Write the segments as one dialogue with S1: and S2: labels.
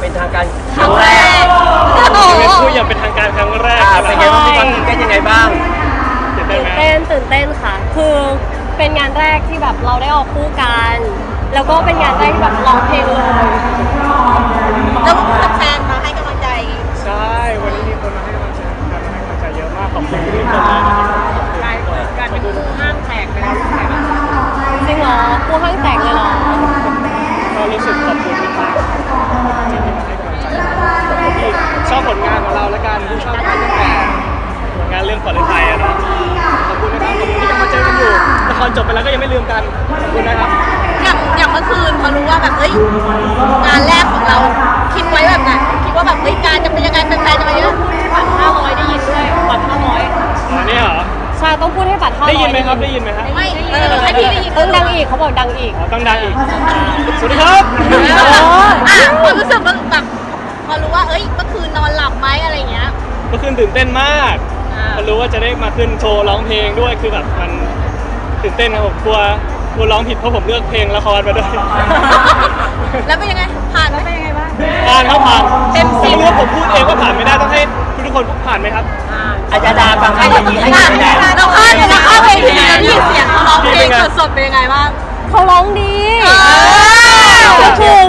S1: เป็นทางการ
S2: ครั้งแรก
S3: เป็นผู้อย่างเป็นทางการครั้งแรก
S1: เป็นไงบ้างความตื่นเต้นยังไงบ้าง
S3: ตื่นเต้นไหม
S2: ตื่นเต้นค่ะ คือเป็นงานแรกที่แบบเราได้ออกคู่กันแล้วก็เป็นงานแรกที่แบบร้องเพลงเลย
S4: แล้วแฟนมาให้กำลังใจ
S3: ใช่วันนี้มีคนมาให้กำลังใจเยอะมากขอบคุณทุกคนมาก
S2: การเป็นคู่ห้างแตกไปแล้วใช่ไหมจริงเหรอคู่ห้างแตกเลยเหรอ
S3: ก็รู้สึกขอบคุณมากจริงๆมาให้กำลังใจที่ชอบผลงานของเราและการที่ชอบงานตั้งแต่ผลงานเรื่องขวัญฤทัยอะนะขอบคุณนะครับขอบคุณที่ยังมาเจอกันอยู่ละครจบไปแล้วก็ยังไม่ลืมกันขอบคุณนะครับ
S4: อย่างเมื่อคืนพอรู้ว่าแบบเฮ้ยงานแรกของเราคิดไว้แบบไหนคิดว่าแบบเฮ้ยการจะเป็นยังไงเป็นแฟนจะมาเยอะ
S2: บัตร500ได้ยินด้วยบัตร500
S3: อันนี้เหรอ
S2: ใช่ต้องพูดให้บัตร500
S3: ได้ยินไหมครับได้ยินไหมครับ
S4: ไม่ให้พี่ได้ยิน
S2: ต้องดังอีกเขาบอกดังอีก
S3: ต้องดังอีกสวัสดีครับ
S4: พอรู้สึกแบบพอรู้ว่าเอ้ยเมื่อคืนนอนหลับไหมอะไรเงี้ย
S3: เมื่อคืนตื่นเต้นมากพอรู้ว่าจะได้มาขึ้นโชว์ร้องเพลงด้วยคือแบบมันตื่นเต้นครับผมกลัวร้องผิดเพราะผมเลือกเพลงละครมาด้วย
S4: แล้วเป็นยังไงผ่านแล้วเป็นยังไงบ้าง
S3: ผ่านครับผ่าน
S4: เต็มสิบ
S3: ไม่รู้ว่าผมพูดเองว่าผ่านไม่ได้ต้องให้ทุกคนผ่านไหมครับ
S1: อาจารย์ดาฟังให้อย่างนี้ให้คะแนน
S4: เราข้ามเพลงนี้แล้วนี่เสียงเขาร้องเพลงสดๆเป็นยังไงบ้าง
S2: เขาร้องดีก็คือ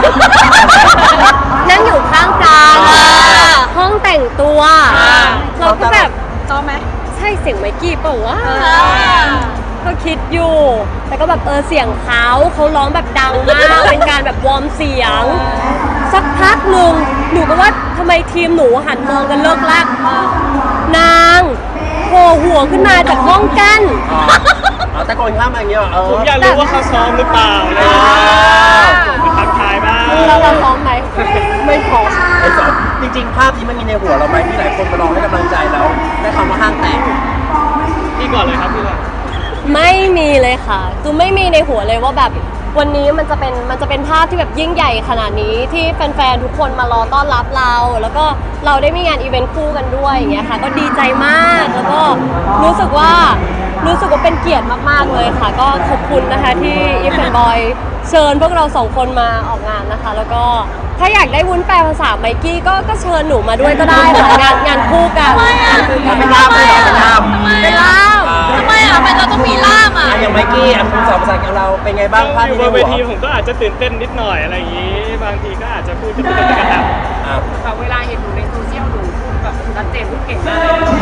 S2: นั่งอยู่ข้างกลางห้องแต่งตัวเราก็แบบ
S4: ชอบไหม
S2: ใช่เสียงไมค์กี้เปล่าวะก็คิดอยู่แต่ก็แบบเสียงเขาร้องแบบดังมากเป็นการแบบวอร์มเสียงสักพักหนึ่งหนูก็ว่าทำไมทีมหนูหันมองกันเลิกลักนางโผล่หัวขึ้นมาจากห้องกั้น
S1: ตะโกนข้ามมาอย่างเงี้ย
S3: ผมอยากรู้ว่าเขาซ้อมหรือเปล่าทักทายบ้าง
S2: เราซ้อมไหมไม่พอ
S1: จริงๆภาพนี้มันมีในหัวเราไหมที่หลายคนมาลองให้กำลังใจเราได้คำว่าห้างแตก
S3: พี่ก่อนเลยครับพี่ก่อน
S2: ไม่มีเลยค่ะคือไม่มีในหัวเลยว่าแบบวันนี้มันจะเป็นภาพที่แบบยิ่งใหญ่ขนาดนี้ที่แฟนๆทุกคนมารอต้อนรับเราแล้วก็เราได้มีงานอีเวนต์คู่กันด้วยอย่างเงี้ยค่ะก็ดีใจมากแล้วก็รู้สึกว่าเป็นเกียรติมากๆเลยค่ะก็ขอบคุณนะคะที่อีฟแอนด์บอยเชิญพวกเรา2คนมาออกงานนะคะแล้วก็ถ้าอยากได้วุ้นแปลภาษาไมกี้ก็เชิญหนูมาด้วยก็ได้ค่ะงานคู่กัน
S1: เป็นล่ามเลยเป็นล่าม
S4: ทำไมอ่ะมันเราต้องมีล่ามอ่ะ
S1: อย่างไมกี้คุณสอนภาษาของเราเป็นไงบ้างภาพ
S3: อยู่บนเวทีผมก็อาจจะตื่นเต้นนิดหน่อยอะไรอย่างนี้บางทีก็อาจจะพูดจะเป็นกระดับ
S2: แต่เวลาเห็นหนูในโซเชียลหนูพูดแบบชัดเจนพูดเก่งมาก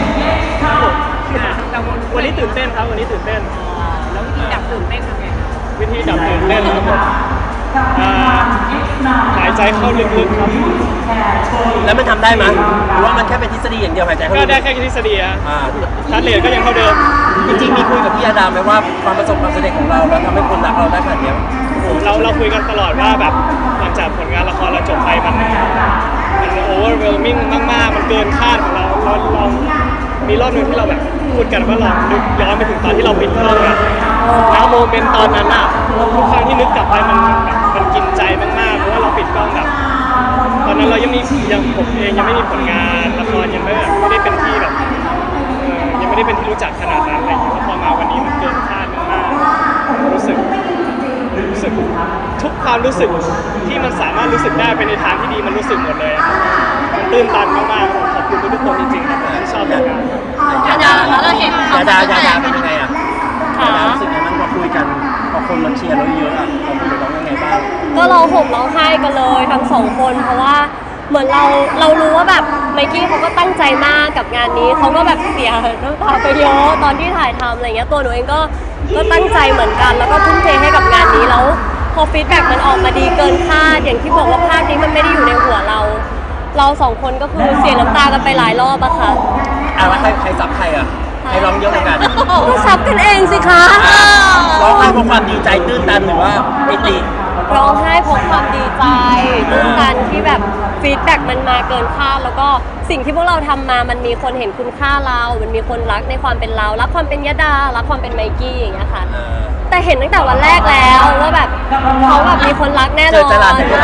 S3: วันนี้ตื่นเต้นครับวันนี้ตื่นเต้น
S2: แล้ววิธีดับตื่นเต้นทำไง
S3: วิธีดับตื่นเต้นครับผมหายใจเข้าลึกๆครับ
S1: แล้วมันทำได้ไหมหรือว่ามันแค่เป็นทฤษฎีอย่างเดียวหายใจเข้า
S3: ก็ได้แค่ทฤษฎีอะทัดเลทก็ยังเท่าเดิม
S1: จริงๆมีคุยกับพี่อาดามไหมว่าความประสบความสำเร็จของเราแล้วทำให้คนรักเราได้ขนาดนี้
S3: เราคุยกันตลอดว่าแบบหลังจากผลงานละครเราจบไปมันโอเวอร์เวลมิ่งมากๆมันเกินคาดของเรามีรอบนึงที่เราแบบพูดกันว่าเรานึกย้อนไปถึงตอนที่เราปิดกล้องอะแล้วโมเมนต์ตอนนั้นอะทุกครั้งที่นึกกลับไปมันกินใจมากๆเพราะว่าเราปิดกล้องแบบตอนนั้นเรายังผมเองยังไม่มีผลงานละครยังไม่ได้เป็นที่แบบยังไม่ได้เป็นที่รู้จักขนาดนั้นอะไรอย่างเงี้ยพอมาวันนี้มันเกินคาดมากๆรู้สึกทุกความรู้สึกที่มันสามารถรู้สึกได้เป็นในทางที่ดีมันรู้สึกหมดเลยมันตื้นตันมากๆขอบคุณทุกคนจริงๆครับที่ชอบงาน
S4: เราเห็น
S1: ดาเป็นยังไงอ่ะรู้สึกยังไงบ้างเราคุยกันพอคนมาเชียร์เราเยอะอ่ะเราคุยกับน้องยังไงบ้าง
S2: ก็เราห่มร้องไห้กันเลยทั้ง2คนเพราะว่าเหมือนเรารู้ว่าแบบไมกี้เขาก็ตั้งใจมากกับงานนี้เขาก็แบบเสียน้ำตาไปเยอะตอนที่ถ่ายทำอะไรเงี้ยตัวหนูเองก็ตั้งใจเหมือนกันแล้วก็ทุ่มเทให้กับงานนี้แล้วพอฟีดแบ็กมันออกมาดีเกินคาดอย่างที่บอกว่าภาพนี้มันไม่ได้อยู่ในหัวเรา2คนก็คือเสียน้ำตากันไปหลายรอบอะค่ะ
S1: แล้วใครซับใครอะใครร้องเยอะกว่ากัน
S2: ก็ซับกันเองสิคะ
S1: ร้องไห้เพราะความดีใจตื้นตันหรือว่าปิติ
S2: ร้องไห้เพราะความดีใจตื้นตันที่แบบฟีดแบ็กมันมาเกินคาดแล้วก็สิ่งที่พวกเราทำมามันมีคนเห็นคุณค่าเรามันมีคนรักในความเป็นเรารักความเป็นยดารักความเป็นไมกี้อย่างเงี้ยค่ะแต่เห็นตั้งแต่วันแรกแล้วว่าแบบเขาแบบมีคนรักแน่นอน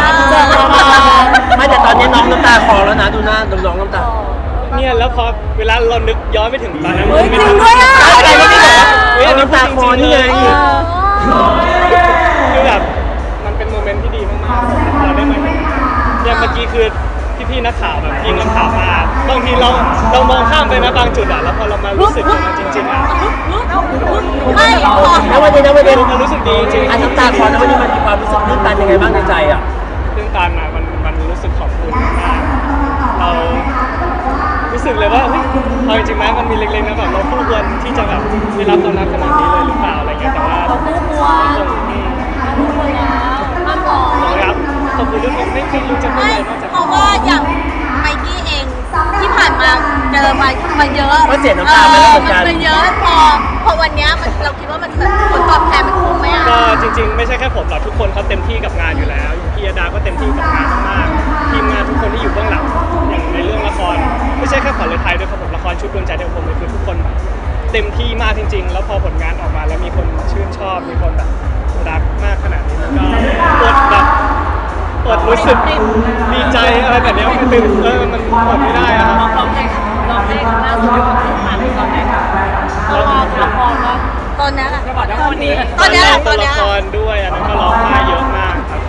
S1: ไม่แต่ตอนนี้น้องน้ำตาคลอแล้วนะดูหน้าน้องน้ำตา
S3: เนี่ยแล้วพอเวลาเรานึกย้อนไปถึงตอนนั้น
S2: จริงด้วยอ่ะ
S1: น้ำตาคลอนี่ไง
S3: คือแบบมันเป็นโมเมนต์ที่ดีมากๆเราได้มาอย่างเมื่อกี้คือเรามองข้ามไปนะบางจุดอ่ะแล้วพอเรามารู้สึกกับมันจริงๆอ่ะ
S4: ไม่พอ
S1: แล้ววันนี้
S3: มันรู้สึกดีจริง
S1: อันน้ำตาคลอแล้ววันนี้มันมีความรู้สึกตื้นตันยังไงบ้างในใจอ่ะ
S3: ตื้นตันอ่ะมันรู้สึกขอบคุณมากเรารู้สึกเลยว่าเฮ้ยเอาจริงๆไหมมันมีเล็กๆนะแบบเราคู่ควรที่จะแบบได้รับความรักขนาดนี้เลยหรือเปล่าอะไรเงี้ยแต่ว่า
S2: เราคู่ควร
S3: คง
S2: คู่ควรแล้วห้ามหลอก
S3: ครับขอบคุณทุกคนไม่รู้จะพูด
S4: ไม่
S3: อะไรนอกจาก
S4: เพราะว่าอย่างไมกี้เองที่ผ่านมาเจอมาเยอะ
S1: ก็เสียน้ำตาไปแล้วเหมือนกัน
S4: มันเยอะพอวันเนี้ยเราคิดว่ามันผลตอบแทนมันคุ้มไหมอ่ะ
S3: ก็จริงๆไม่ใช่แค่ผมหรอกทุกคนเขาเต็มที่กับงานอยู่แล้วอย่างพี่ยดาก็เต็มที่กับงานมากๆทีมงานทุกคนที่อยู่เบื้องหลังอย่างในเรื่องละครไม่ใช่แค่ขวัญฤทัยด้วยครับผมละครชุดดวงใจเดียวผมเลยคือทุกคนแบบเต็มที่มากจริง ๆ แล้วพอผลงานออกมาแล้วมีคนชื่นชอบมีคนแบบรักมากขนาดนี้มันก็อดรู้สึกดีใจอะไรแบบนี้มันตื่นมันอดไม่ได้อะครับ
S2: ร้องเพลงล่าสุดที่ผ่านไปตอนไหนคะละครว่า
S4: ตอนนั้นอ่ะ
S2: จะบอกได้วันนี้
S4: ตอนเนี้ย
S3: ตัวละครด้วยอันนั้นก็ร้องไห้เยอะมากครับ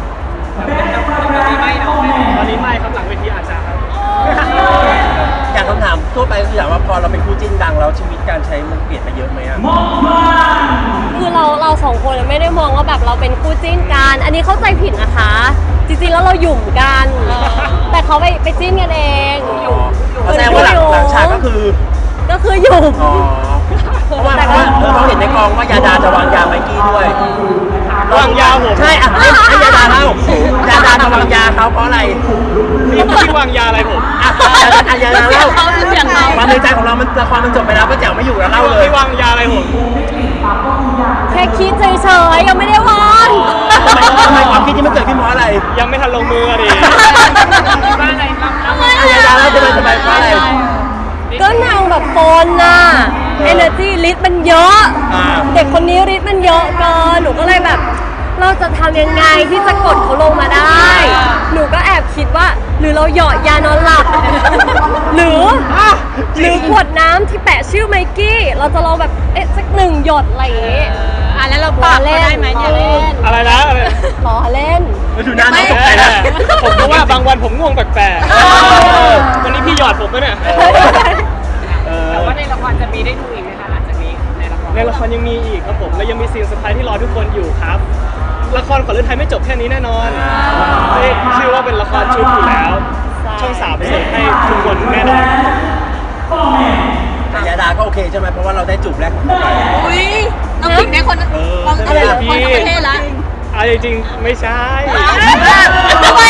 S3: ตอนนี้ไม่ครับหลังเวทีอาจจะครับ
S1: อยากคำถามทั่วไปคืออยากว่าพอเราเป็นคู่จิ้นดังแล้วชีวิตการใช้มันเปลี่ยนไปเยอะไหมอ่ะ
S2: คือเราสองคนไม่ได้มองว่าแบบเราเป็นคู่จิ้นกัน อันนี้เข้าใจผิดนะคะ จริงๆแล้วเราหยุ่มกัน แต่เขาไปจิ้นกันเองหยุ่ม
S1: แสดงว่าหลังฉากก็คือ
S2: หยุ่ม
S1: อ๋อเพราะว่าเขาเห็นในกองว่ายาดาจะวางยาไมกี้ด้วย
S3: วางยาผม
S1: ใช่อ่ะให้ยาดาเล่ายาดาจะวางยาเขาเพราะอะไร
S3: พี่วางยาอะไรผม
S1: อ่ะยาดาเล่า
S4: เสียงเขา
S1: ความในใจของเรามันละครมันจบไปแล้วก็แจ๋วไม่อยู่แล้วเล่าเลย
S3: พี่วางยาอะไรผม
S2: แค่คิดเฉยๆยังไม่ได้วาง
S1: ทำไมความคิดที่มันเกิดขึ้นเพราะอะไร
S3: ยังไม่ทันลงมือดิ
S4: ทำไม
S1: ยาดาเล่าจะไปเพราะอะไร
S2: ก็นางแบบโฟนน่ะ energy ฤทธิ์มันเยอะ เด็กคนนี้ฤทธิ์มันเยอะเกิน หนูก็เลยแบบ เราจะทำยังไงที่จะกดเขาลงมาได้ หนูก็แอบคิดว่า หรือเราเหยาะยานอนหลับ หรือขวดน้ำที่แปะชื่อไมกี้ เราจะลองแบบสัก1 หยดอะไรอย่างงี้
S4: แล้วเราปรับเขาได้ไหมเนี่ย
S3: อะไรนะอะไร
S2: ล้อเล่น
S1: ดูหน้าน้องตกใจนะ
S3: ผมก็ว่าบางวันผมง่วงแปลกๆวันนี้พี่หยอดผมไหมเนี่ย
S5: แต่ว่าในละครจะมีได้ดูอีกไหมคะหลังจากนี้ในละคร
S3: ในละครยังมีอีกครับผมและยังมีซีนเซอร์ไพรส์ที่รอทุกคนอยู่ครับ ละครขวัญฤทัยไม่จบแค่นี้แน่นอนไม่ชื่อว่าเป็นละครชุดอยู่แล้ว ช่อง3เสิร์ฟให้ทุกคนแน่นอน
S1: ยาดาก็โอเคใช่ไหมเพราะว่าเราได้จูบแรกของเขาไป
S4: อุ้ยน้องผิงได้คนคนทั้งประเทศละ
S3: เอาจริงๆไม่ใช่
S4: ทำไม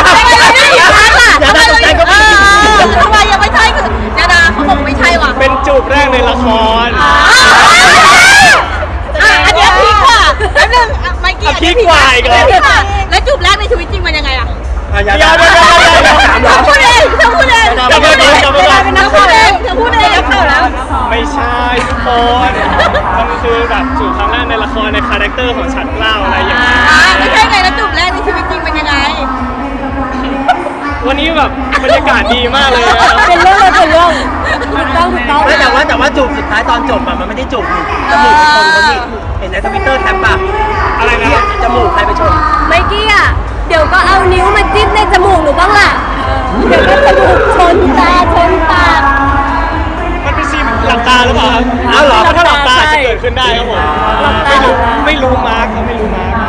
S4: ยังไม่ใช่ยาดาเขาบอกไม่ใช่ว่ะ
S3: เป็นจูบแรกในละคร
S4: อันนี้พีกว่าแล้วนึงไมกี้
S3: พีกกว่าอีกเหรอ
S4: แล้วจูบแรกในชีวิตจริงมันยังไงอะ
S1: ยาดา
S4: พูดเองเธอพูดเอง
S3: กลับมาก่อนกลับมาก่อน
S4: เธอพูดเองเธอพูดเองแล้วเข้าแล้ว
S3: ไม่ใช่ทุกคนมันคือแบบจูบครั้งแรกในละครในคาแรคเตอร์ของฉันเล่าอะไรอย่างเงี้ย
S4: ไม่ใช่ไงแล้วจูบแรกในชีวิตจริงมันยังไง
S3: วันนี้แบบบรรยากาศดีมากเลยนะครับ
S2: เป็นเรื่องถูกต้อง
S1: ไม่แต่ว่าจูบสุดท้ายตอนจบอะมันไม่ได้จูบนี่จมูกคนเขานี่เห็นในทวิตเตอร์แคปปะ
S3: อะไรนะ
S1: จมูกใครไปชน
S2: ไมกี้อ่ะ เดี๋ยวก็เอานิ้วมาจิ้มในจมูกหนูบ้างล่ะ เดี๋ยวก็จมูกชนตาชนปาก
S3: มันเป็นซีนหลับตาหรือเปล่าครับ
S1: อ้าวเหรอ
S3: ถ้าหลับตาจะเกิดขึ้นได้ครับผม
S2: หลับตา
S3: ไม่รู้มาร์คเขาไม่รู้มาร์ค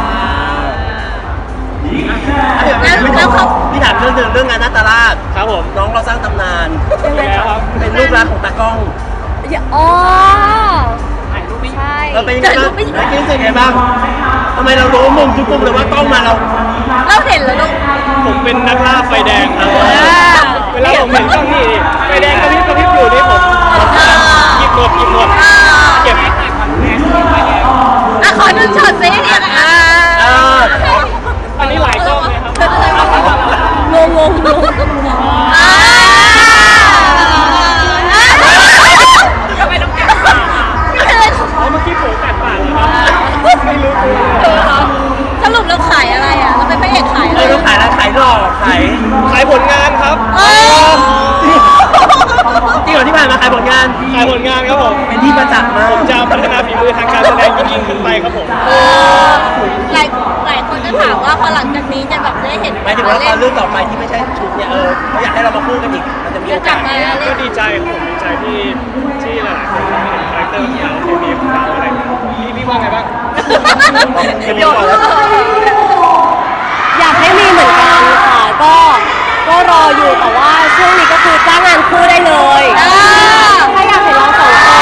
S1: พี่ถามเรื่องงานนาตาลาด
S3: ครับผม
S1: น้องเราสร้างตำนาน
S3: แล้วครับ
S1: เป็นลูกรักของตากล้อง
S2: อ๋อ
S5: ถ่ายรูปไม่
S2: ใช่
S1: เราเป็นยังไงบ้างแล้วคิดรู้สึกไงบ้างทำไมเรารู้มุมทุกมุมเลยว่ากล้องมาเรา
S4: เราเห็นแล้วลูก
S3: ผมเป็นนักล่าไฟแดงครับเวลาผมเห็นกล้องนี่ไฟแดงกระพริบอยู่นี่ผมหยิบหมดเก็บ
S4: ขอหนึ่งช็อตสิเนี่ย
S3: อันนี้หลายกล้องเลยครับ
S2: งง
S4: ทำไมต้องแกะ
S3: อ๋อเมื่อกี้ผมแตกปากเลยครับไม่รู้ตัวเลย
S4: สรุปเราขายอะไรอ่ะเราเป็นพระเอกขายอะไร
S1: เราขายอะไรขายหลอกขาย
S3: ขายผลงานครับ
S1: จริงเหรอที่ผ่านมาขายผลงาน
S3: ขายผลงานครับผม
S1: เป็นที่ประจักษ์มาก
S3: ผมจะพัฒนาฝีมือทางการแสดงยิ่งขึ้นไปครับผม
S4: หลายคนก็ถามว่าพอหลังจากนี้จะแบบได้เห็น
S1: ไม่ถึงว่าตอนเรื่องต่อไปที่ไม่ใช่ชุดเนี่ยเขาอยากให้เรามาคู่กันอีกมันจะมีโอกาสไหม
S3: ก็ดีใจครับผมดีใจที่หลายๆคนเห็นคาแรคเตอร์ของเราเคมีของเราอะไรอย่างเงี้ยพี่ว่าไงบ้าง
S1: โยนแล้ว
S2: อยากให้มีเหมือนกันค่ะก็รออยู่แต่ว่าช่วงนี้ก็คือจ้างงานคู่ได้เลยถ้าอยากเห็นเราสองคน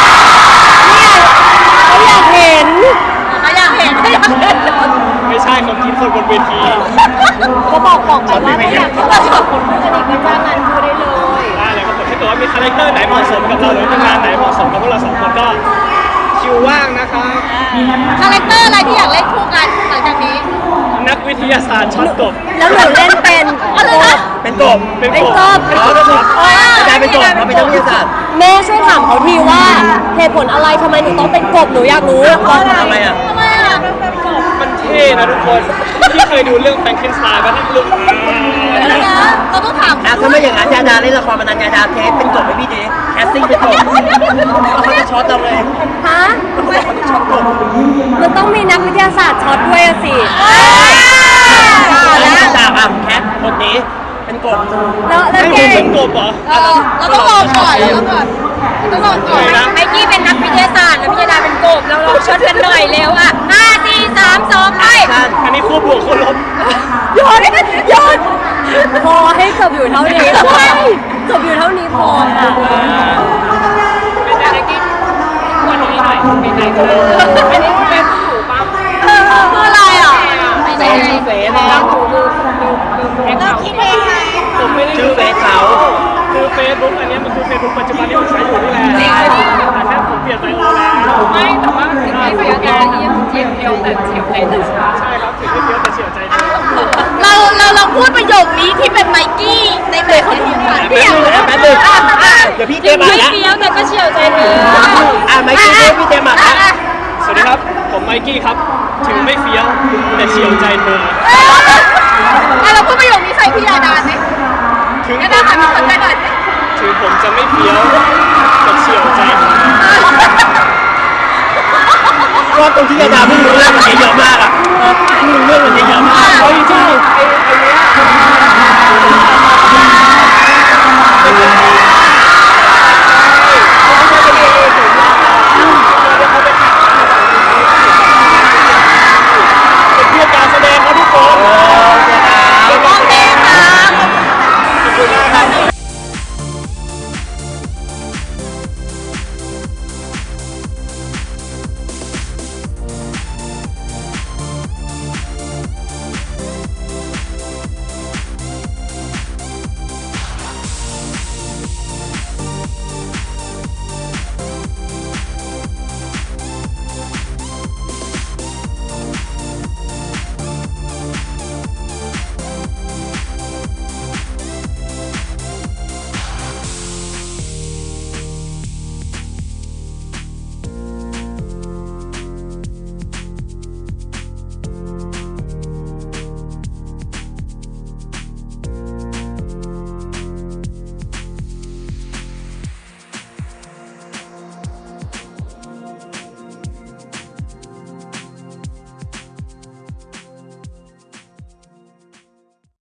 S2: เนี่ยเขาอยากเห็น
S4: เขาอยากเห็น
S3: ไม่ใช่คนคิดคนบนเวที
S2: ก็บอกไปว่าถ้าอยากเห็นเราสองคนคู่กันอีกก็จ้างงานคู่ได้เลย
S3: ได้เลยครับผมถ้าเกิดว่ามีคาแรคเตอร์ไหนเหมาะสมกับเราหรือว่างานไหนเหมาะสมกับพวกเราสองคนก็คิวว่างนะครับ
S4: คาแรคเตอร์อะไรที่อยากเล่นคู่กันหลังจากนี้
S3: นักวิทยาศาสตร์ช็อตกบ
S2: แล้วหนูเล่นเป็นกบ
S1: เป็นกบ
S3: เป็น
S2: เป็น
S3: ก
S2: ก
S3: บบ
S1: อ๋อก็คืออาจารย์เป็นกบเราเป็นนักวิทยาศาสตร์
S2: แม่ช่วยถามเขาทีว่าเหตุผลอะไรทำไมหนูต้องเป็นกบหนูอยากรู้
S1: ทำไมอ่ะ
S4: ทำไมอ่ะ
S3: มันเท่นะทุกคนที่เคยดูเรื่องแฟรงเกนสไตน์ป่ะที่ลูก
S4: เราต้องถาม
S1: ถ้าไม่อย่างนั้นยาดาเล่นละครมานานยาดาเทสเป็นกบให้พี่ดิแคสติ้งเป็นกบเขาจะช็อตเราเลย
S2: ฮะ
S1: เขาจะช็อตกบ
S2: มันต้องมีนักวิทยาศาสตร์ช็อตด้วยอะสิ
S1: แล้วจากแคทคนนี้เป็นกบ
S2: แล้ว
S3: ให้
S2: เก
S3: ผมเป็นกบเหรอ
S4: เราต้องลองก่อนต้องลองก่อนไมกี้เป็นนักวิทยาศาสตร์แล้วพี่ดาเป็นกบเราลองช็อตกันหน่อยเร็วอ่ะ5 4 3 2ไป
S3: อันนี้คู่บวกคู่ลบ
S2: โยนพอให้จบอยู่เท่านี้จบอยู่เท่านี้พอค่ะ
S5: เป็นอะไรที่วันนี้หน่อยเป็นไหนกันอันนี้เป็นถูกป่ะ
S4: คืออะไรอ่ะ
S5: เฟซเฟซแล้วดูเอ็กซ์
S4: เรา
S5: เขา
S4: คิดเองค่ะ
S3: ผมไม่ได้
S1: ชื่อเฟซเขา
S3: คือเฟซบุ๊กอันนี้มันคือเฟซบุ๊กปัจจุบันที่ผมใช้อยู่นี่แหละแต่แค่ผมเปลี่ยนไปแล้ว
S5: ไม่แต่ว่าถึงไม่เสียใจเยี่ยมเจียวเดียวแต่เฉียวใจถึง
S3: ใช่ครับถึงไม่เยอะแต่เฉียวใจเดียว
S4: เราพูดประโยคนี้ที่เป็นไมกี้ในแบบของทีมงาน
S1: แป๊บนึงแป๊บนึงเดี๋ยวพี่เจมา
S4: ไม่
S1: แล้ว
S4: เดียวแต่ก็เฉียวใจเธอ
S1: ไม่ใช่พี่เจมาแล้ว
S3: สวัสดีครับผมไมกี้ครับถึงไม่เฟี้ยวแต่เฉียวใจเธอ
S4: เราพูดประโยคนี้ใส่พี่ดาดาไหม
S3: ถึง
S4: ดาดาค่ะมีคนใจหน่อย
S3: ถึงผมจะไม่เฟี้ยวแต่เฉียวใจเธอ
S1: ว่าตรงที่ยาดาไม่รู้เรื่องมันเยอะมากอ่ะไม่รู้เรื่องมันเยอะมาก
S3: เอาจริงๆไอ้เนี้ย